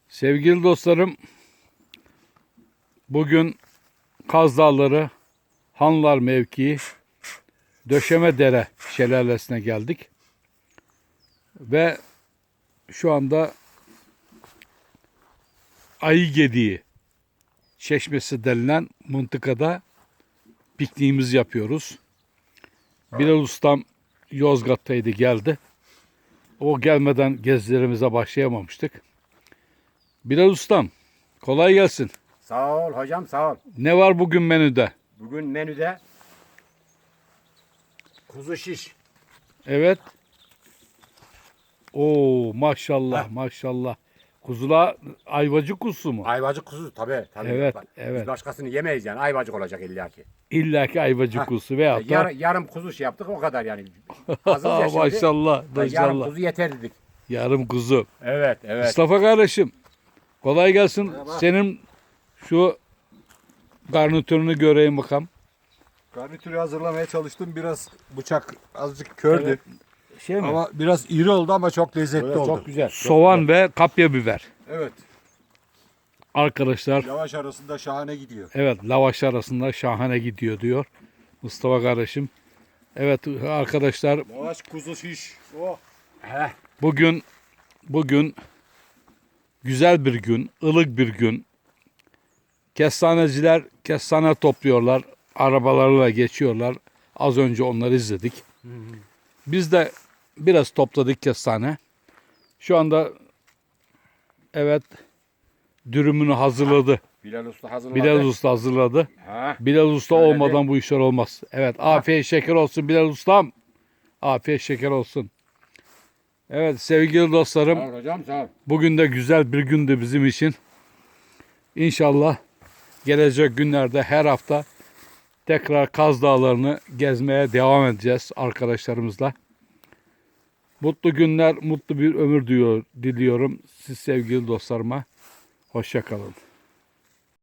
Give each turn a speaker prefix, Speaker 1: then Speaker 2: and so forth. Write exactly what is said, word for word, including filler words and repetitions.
Speaker 1: Sevgili dostlarım, bugün Kaz Dağları Hanlar mevkii Döşemedere şelalesine geldik. Ve şu anda Ayıgediği Çeşmesi denilen mıntıkada pikniğimizi yapıyoruz. Bilal Ustam Yozgat'taydı, geldi. O gelmeden gezilerimize başlayamamıştık. Bilal Ustam, kolay gelsin.
Speaker 2: Sağ ol hocam, sağ ol.
Speaker 1: Ne var bugün menüde?
Speaker 2: Bugün menüde kuzu şiş.
Speaker 1: Evet. Oo, maşallah
Speaker 2: Heh.
Speaker 1: maşallah. Kuzula ayvacık kuzusu mu?
Speaker 2: Ayvacık kuzu tabii. tabii.
Speaker 1: Evet,
Speaker 2: Bak,
Speaker 1: evet.
Speaker 2: Biz başkasını yemeyiz yani. Ayvacık olacak illaki.
Speaker 1: İlla ki ayvacık
Speaker 2: Heh.
Speaker 1: kuzusu veyahut da
Speaker 2: Yar, yarım kuzu şey yaptık o kadar yani. Azız ya şimdi.
Speaker 1: maşallah
Speaker 2: Ha, Yarım
Speaker 1: maşallah.
Speaker 2: kuzu yeter dedik.
Speaker 1: Yarım kuzu.
Speaker 2: Evet, evet.
Speaker 1: Mustafa kardeşim, kolay gelsin.
Speaker 3: Merhaba.
Speaker 1: Senin şu garnitürünü göreyim bakalım.
Speaker 3: Garnitürü hazırlamaya çalıştım. Biraz bıçak azıcık kördü.
Speaker 1: Evet. Şey mi?
Speaker 3: Ama biraz iri oldu ama çok lezzetli
Speaker 2: Böyle
Speaker 3: oldu.
Speaker 2: çok güzel. çok
Speaker 1: Soğan ve kapya biber.
Speaker 3: Evet.
Speaker 1: Arkadaşlar,
Speaker 3: Lavaş arasında şahane gidiyor.
Speaker 1: evet, lavaş arasında şahane gidiyor diyor Mustafa kardeşim. Evet arkadaşlar,
Speaker 3: Lavaş kuzu şiş. Oh.
Speaker 2: Heh.
Speaker 1: bugün bugün güzel bir gün, ılık bir gün. Kestaneciler kestane topluyorlar, arabalarla geçiyorlar. Az önce onları izledik. Biz de biraz topladık kestane. Şu anda evet dürümünü hazırladı.
Speaker 2: Bilal Usta hazırladı.
Speaker 1: Bilal Usta hazırladı.
Speaker 2: Ha.
Speaker 1: Bilal Usta
Speaker 2: Şöyle
Speaker 1: olmadan bu işler olmaz. Evet, afiyet şeker olsun Bilal Ustam. Afiyet şeker olsun. Evet sevgili dostlarım,
Speaker 2: Sağ ol hocam, sağ ol.
Speaker 1: bugün de güzel bir gündü bizim için. İnşallah gelecek günlerde her hafta tekrar Kaz Dağları'nı gezmeye devam edeceğiz arkadaşlarımızla. Mutlu günler, mutlu bir ömür diyor, diliyorum siz sevgili dostlarıma. Hoşça kalın.